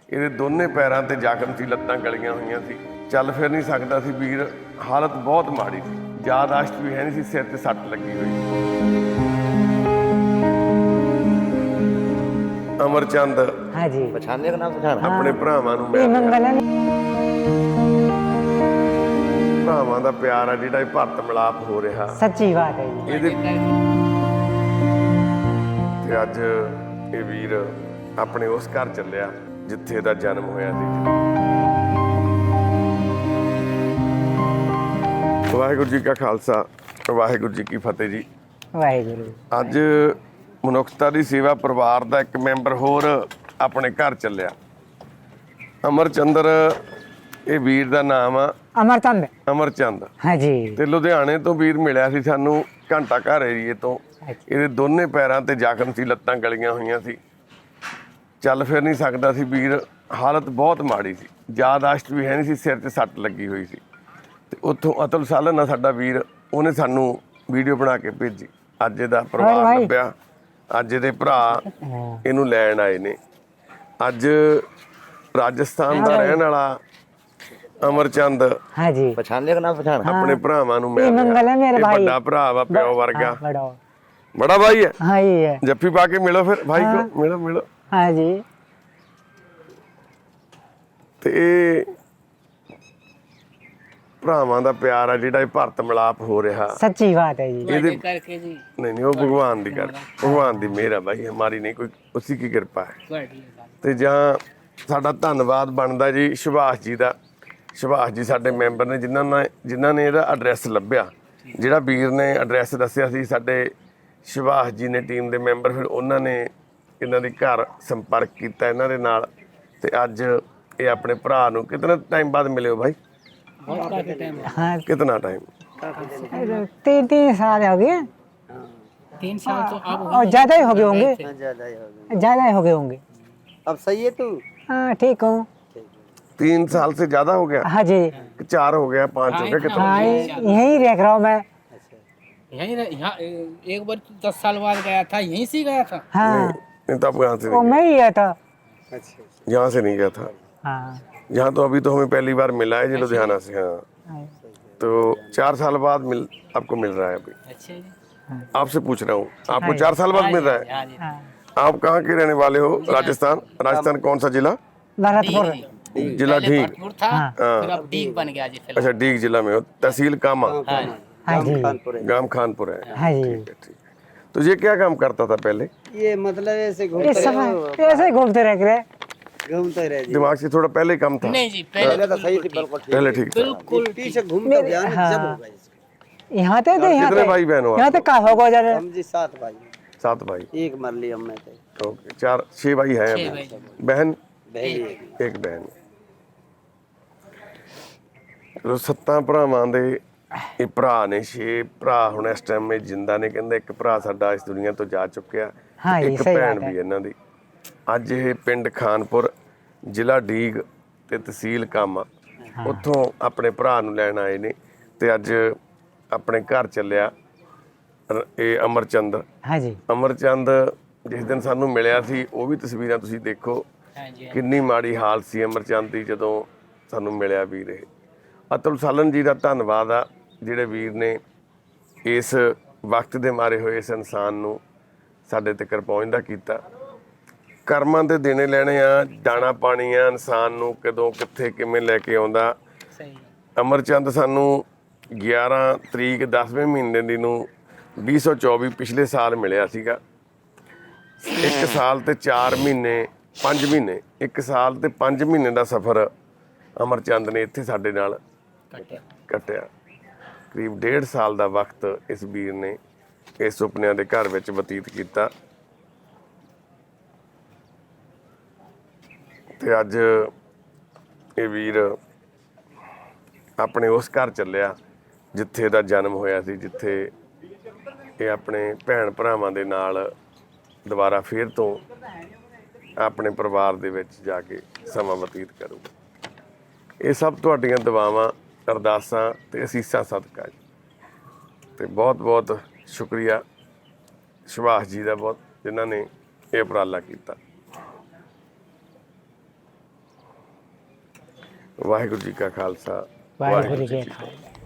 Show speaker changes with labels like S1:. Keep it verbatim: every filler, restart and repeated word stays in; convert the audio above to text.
S1: ਇਹਦੇ ਦੋਨੇ ਪੈਰਾਂ ਤੇ ਜ਼ਖਮ ਸੀ, ਲੱਤਾਂ ਗਲੀਆਂ ਹੋਈਆਂ ਸੀ, ਚੱਲ ਫਿਰ ਨਹੀਂ ਸਕਦਾ ਸੀ ਵੀਰ। ਹਾਲਤ ਬਹੁਤ ਮਾੜੀ ਸੀ, ਯਾਦਾਸ਼ਤ ਵੀ ਹੈ ਨਹੀਂ ਸੀ, ਸਿਰ ਤੇ ਸੱਟ ਲੱਗੀ ਹੋਈ ਸੀ। ਅਮਰਚੰਦ
S2: हाँ जी
S3: पहचानने का नाम पहचाना
S1: ਆਪਣੇ ਭਰਾਵਾਂ ਨੂੰ
S2: ये
S1: ਮਿਲ ਰਿਹਾ।
S2: मंगल
S1: ਭਰਾਵਾਂ ਦਾ ਪਿਆਰ ਆ ਜਿਹੜਾ ਇਹ ਭਰਤ ਮਿਲਾਪ ਹੋ ਰਿਹਾ
S2: सच्ची बात है जी।
S1: ਇਹਦੇ ਤੇ ਅੱਜ ਇਹ ਵੀਰ ਆਪਣੇ ਉਸ ਘਰ ਚੱਲਿਆ ਜਿੱਥੇ ਇਹਦਾ ਜਨਮ ਹੋਇਆ ਸੀ। ਵਾਹਿਗੁਰੂ ਜੀ ਕਾ ਖਾਲਸਾ, ਵਾਹਿਗੁਰੂ ਜੀ ਕੀ ਫਤਿਹ ਜੀ।
S2: वाहेगुरु
S1: ਅੱਜ ਮਨੁੱਖਤਾ ਦੀ ਸੇਵਾ ਪਰਿਵਾਰ ਦਾ ਇੱਕ ਮੈਂਬਰ ਹੋਰ ਆਪਣੇ ਘਰ ਚੱਲਿਆ। ਅਮਰਚੰਦਰ ਇਹ ਵੀਰ ਦਾ ਨਾਮ ਆ,
S2: अमरचंद
S1: ਅਮਰਚੰਦ।
S2: हाँ जी
S1: ਤੇ ਲੁਧਿਆਣੇ ਤੋਂ ਵੀਰ ਮਿਲਿਆ ਸੀ ਸਾਨੂੰ, ਘੰਟਾ ਘਰ ਏਰੀਏ ਤੋਂ। ਇਹਦੇ ਦੋਨੇ ਪੈਰਾਂ ਤੇ ਜ਼ਖਮ ਸੀ, ਲੱਤਾਂ ਗਲੀਆਂ ਹੋਈਆਂ ਸੀ, ਚੱਲ ਫਿਰ ਨਹੀਂ ਸਕਦਾ ਸੀ ਵੀਰ। ਹਾਲਤ ਬਹੁਤ ਮਾੜੀ ਸੀ, ਯਾਦਾਸ਼ਤ ਵੀ ਹੈ ਨਹੀਂ ਸੀ, ਸਿਰ ਤੇ ਸੱਟ ਲੱਗੀ ਹੋਈ ਸੀ। ਤੇ ਉੱਥੋਂ ਅਤੁਲ ਸਾਲਨ ਆ ਸਾਡਾ ਵੀਰ, ਉਹਨੇ ਸਾਨੂੰ ਵੀਡੀਓ ਬਣਾ ਕੇ ਭੇਜੀ। ਅੱਜ ਇਹਦਾ ਪਰਿਵਾਰ ਲੱਭਿਆ, ਅੱਜ ਇਹਦੇ ਭਰਾ ਇਹਨੂੰ ਲੈਣ ਆਏ ਨੇ। ਅੱਜ ਰਾਜਸਥਾਨ ਦਾ ਰਹਿਣ ਵਾਲਾ ਅਮਰਚੰਦ
S2: हाँ जी
S3: पहचानने का नाम पहचाना
S1: ਆਪਣੇ ਭਰਾਵਾਂ ਨੂੰ
S2: ये
S1: ਮਿਲ
S2: मंगल
S1: ਰਿਹਾ।
S2: है मेरे
S1: ਇਹ
S2: भाई
S1: ਵੱਡਾ ਭਰਾ ਵਾ, ਪਿਓ ਵਰਗਾ,
S2: हाँ, बड़ा
S1: ਬੜਾ ਭਾਈ ਹੈ।
S2: हाँ ये है
S1: ਜੱਫੀ ਪਾ ਕੇ ਮਿਲੋ ਫਿਰ ਭਾਈ ਕੋ, ਮਿਲੋ ਮਿਲੋ।
S2: हाँ जी
S1: ਤੇ ਇਹ ਭਰਾਵਾਂ ਦਾ ਪਿਆਰ ਆ ਜਿਹੜਾ ਇਹ ਭਰਤ ਮਿਲਾਪ ਹੋ ਰਿਹਾ।
S2: सच्ची बात है जी।
S1: ਇਹਦੇ ਨਹੀਂ ਨਹੀਂ ਉਹ ਭਗਵਾਨ ਦੀ ਕਰ, ਭਗਵਾਨ ਦੀ ਮਿਹਰ ਆ ਬਾਈ, ਹਮਾਰੀ ਨਹੀਂ ਕੋਈ, ਉਸੀ ਕੀ ਕਿਰਪਾ ਹੈ। ਤੇ ਜਾਂ ਸਾਡਾ ਧੰਨਵਾਦ ਬਣਦਾ ਜੀ ਸੁਭਾਸ਼ ਜੀ ਦਾ। ਸੁਭਾਸ਼ ਜੀ ਸਾਡੇ ਮੈਂਬਰ ਨੇ ਜਿਨ੍ਹਾਂ ਨੇ ਜਿਨ੍ਹਾਂ ਨੇ ਇਹਦਾ ਐਡਰੈਸ ਲੱਭਿਆ। ਜਿਹੜਾ ਵੀਰ ਨੇ ਐਡਰੈਸ ਦੱਸਿਆ ਸੀ, ਸਾਡੇ ਸੁਭਾਸ਼ ਜੀ ਨੇ ਟੀਮ ਦੇ ਮੈਂਬਰ, ਫਿਰ ਉਹਨਾਂ ਨੇ ਇਹਨਾਂ ਦੇ ਘਰ ਸੰਪਰਕ ਕੀਤਾ ਇਹਨਾਂ ਦੇ ਨਾਲ। ਤੇ ਅੱਜ ਇਹ ਆਪਣੇ ਭਰਾ ਨੂੰ ਕਿਤਨਾ ਟਾਈਮ ਬਾਅਦ ਮਿਲੇ ਹੋ ਭਾਈ?
S2: हाँ
S1: कितना टाइम?
S2: तीन तीन साल हो गए,
S4: तीन साल तो अब
S2: और ज्यादा ही हो गए होंगे,
S3: ज्यादा ही हो गया।
S2: ज्यादा ही हो गए होंगे।
S3: अब सही है तू?
S2: हाँ ठीक हूँ।
S1: तीन साल से ज्यादा हो गया
S2: हाँ जी
S1: कि चार हो गया, पाँच हो गया, कितना?
S2: हाँ यहीं देख रहा हूँ मैं।
S4: यहीं रह- यहाँ एक बार तो दस साल बाद गया था, यहीं से गया था।
S2: हाँ
S1: नहीं तब यहाँ से
S2: वो
S1: नहीं
S2: मैं ही गया था।
S3: अच्छा
S1: गया। यहाँ से नहीं गया था।
S2: हाँ
S1: यहाँ तो अभी तो हमें पहली बार मिला है जी, लुधियाना से। हाँ,
S2: हाँ।
S1: तो चार साल बाद मिल आपको मिल रहा है अभी।
S4: अच्छा जी।
S1: आपसे पूछ रहा हूँ, आपको चार साल बाद मिल रहा है?
S4: हाँ जी।
S2: हाँ
S1: आप कहाँ के रहने वाले हो? राजस्थान। राजस्थान कौन सा जिला?
S2: भरतपुर।
S1: जिला
S4: पहले
S1: ढींग।
S4: भरतपुर था,
S1: हाँ।
S4: फिर अब डीग बन गया जी फिलहाल।
S1: अच्छा, डीग जिला में हो, तहसील कामा,
S4: हाँ जी।
S2: हाँ जी
S3: कानपुर है।
S1: गांव खानपुर है।
S2: हाँ जी
S1: ठीक है, ठीक है। तो ये क्या काम करता था पहले?
S3: ये मतलब ऐसे
S2: इस
S3: घूमते
S2: समय ऐसे ही घूमते रह गए।
S3: घूमते रहे जी।
S1: दिमाग से थोड़ा पहले कम था,
S4: नहीं जी, पहले
S3: पहले तो सही थी, बिल्कुल ठीक।
S1: पहले ठीक था।
S4: बिल्कुल
S3: पीछे घूमते ध्यान
S2: हाँ।
S3: जब होगा इसका।
S2: यहाँ थे थे यहाँ
S1: कितने
S2: पे
S1: भाई बहन हो
S2: यहाँ
S1: आप?
S2: तक का होगा जरा।
S3: हम जी सात भाई,
S1: सात भाई।
S3: एक मर ली हम में थे,
S1: ओके, चार छह भाई हैं
S4: छह
S1: अभी।
S4: भाई।
S1: बहन
S3: बहन एक।
S1: एक बहन। ਚਲੋ ਸੱਤਾਂ ਭਰਾਵਾਂ ਦੇ ਇਹ ਭਰਾ ਨੇ, ਛੇ ਭਰਾ ਹੁਣ ਇਸ ਟਾਈਮ ਵਿੱਚ ਜਿੰਦਾ ਨੇ। ਕਹਿੰਦੇ ਇੱਕ ਭਰਾ ਸਾਡਾ ਇਸ ਦੁਨੀਆ ਤੋਂ ਜਾ ਚੁੱਕਿਆ,
S2: ਹਾਂ ਜੀ,
S1: ਇੱਕ
S2: ਸਹੀ
S1: ਭੈਣ
S2: ਬਾਤ ਹੈ।
S1: ਵੀ ਇਹਨਾਂ ਦੀ। ਅੱਜ ਇਹ ਪਿੰਡ ਖਾਨਪੁਰ, ਜ਼ਿਲ੍ਹਾ ਡੀਗ ਤੇ ਤਹਿਸੀਲ ਕਾਮਾ, ਉੱਥੋਂ ਆਪਣੇ ਭਰਾ ਨੂੰ ਲੈਣ ਆਏ ਨੇ। ਤੇ ਅੱਜ ਆਪਣੇ ਘਰ ਚੱਲਿਆ ਰ- ਇਹ ਅਮਰਚੰਦ।
S2: हाँ जी
S1: ਅਮਰਚੰਦ ਜਿਸ ਦਿਨ ਸਾਨੂੰ ਮਿਲਿਆ ਸੀ, ਉਹ ਵੀ ਤਸਵੀਰਾਂ ਤੁਸੀਂ ਦੇਖੋ,
S4: हाँ जी।
S1: ਕਿੰਨੀ ਮਾੜੀ ਹਾਲਤ ਸੀ ਅਮਰਚੰਦ ਦੀ ਜਦੋਂ ਸਾਨੂੰ ਮਿਲਿਆ ਵੀਰ। ਇਹ ਅਤੁਲ ਸਾਲਨ ਜੀ ਦਾ ਧੰਨਵਾਦ ਆ, ਜਿਹੜੇ ਵੀਰ ਨੇ ਇਸ ਵਕਤ ਦੇ ਮਾਰੇ ਹੋਏ ਇਸ ਇਨਸਾਨ ਨੂੰ ਸਾਡੇ ਤੱਕ ਪਹੁੰਚਦਾ ਕੀਤਾ। ਕਰਮਾਂ ਦੇ ਦੇਣੇ ਲੈਣੇ ਆ, ਦਾਣਾ ਪਾਣੀ ਆ ਇਨਸਾਨ ਨੂੰ, ਕਦੋਂ ਕਿੱਥੇ ਕਿਵੇਂ ਲੈ ਕੇ ਆਉਂਦਾ।
S4: सही।
S1: ਅਮਰਚੰਦ ਸਾਨੂੰ ਗਿਆਰਾਂ ਤਰੀਕ ਦਸਵੇਂ ਮਹੀਨੇ ਦੀ ਨੂੰ ਵੀਹ ਸੌ ਚੌਵੀ ਪਿਛਲੇ ਸਾਲ ਮਿਲਿਆ ਸੀਗਾ। ਇੱਕ ਸਾਲ ਤੇ ਚਾਰ ਮਹੀਨੇ, ਪੰਜ ਮਹੀਨੇ, ਇੱਕ ਸਾਲ ਤੇ ਪੰਜ ਮਹੀਨੇ ਦਾ ਸਫ਼ਰ ਅਮਰਚੰਦ ਨੇ ਇੱਥੇ ਸਾਡੇ ਨਾਲ
S4: कटे।
S1: ਕੱਟਿਆ। ਕਰੀਬ ਡੇਢ ਸਾਲ ਦਾ ਵਕਤ ਇਸ ਵੀਰ ਨੇ ਇਸ ਸੁਪਨਿਆਂ ਦੇ ਘਰ ਵਿੱਚ ਬਤੀਤ ਕੀਤਾ। ਤੇ ਅੱਜ ਇਹ ਵੀਰ ਆਪਣੇ ਉਸ ਘਰ ਚੱਲਿਆ ਜਿੱਥੇ ਇਹਦਾ ਜਨਮ ਹੋਇਆ ਸੀ, ਜਿੱਥੇ ਇਹ ਆਪਣੇ ਭੈਣ ਭਰਾਵਾਂ ਦੇ ਨਾਲ ਦੁਬਾਰਾ ਫੇਰ ਤੋਂ ਆਪਣੇ ਪਰਿਵਾਰ ਦੇ ਵਿੱਚ ਜਾ ਕੇ ਸਮਾਂ ਬਤੀਤ ਕਰੂਗਾ। ਇਹ ਸਭ ਤੁਹਾਡੀਆਂ ਦੁਆਵਾਂ, ਅਰਦਾਸਾਂ ਤੇ ਅਸੀਸਾਂ ਸਦਕਾ ਜੀ। ਤੇ ਬਹੁਤ ਬਹੁਤ ਸ਼ੁਕਰੀਆ ਸੁਭਾਸ਼ ਜੀ ਦਾ, ਬਹੁਤ ਜਿਨ੍ਹਾਂ ਨੇ ਇਹ ਉਪਰਾਲਾ ਕੀਤਾ। ਵਾਹਿਗੁਰੂ ਜੀ ਕਾ ਖਾਲਸਾ
S2: वाहिगुरु जी के खालसा।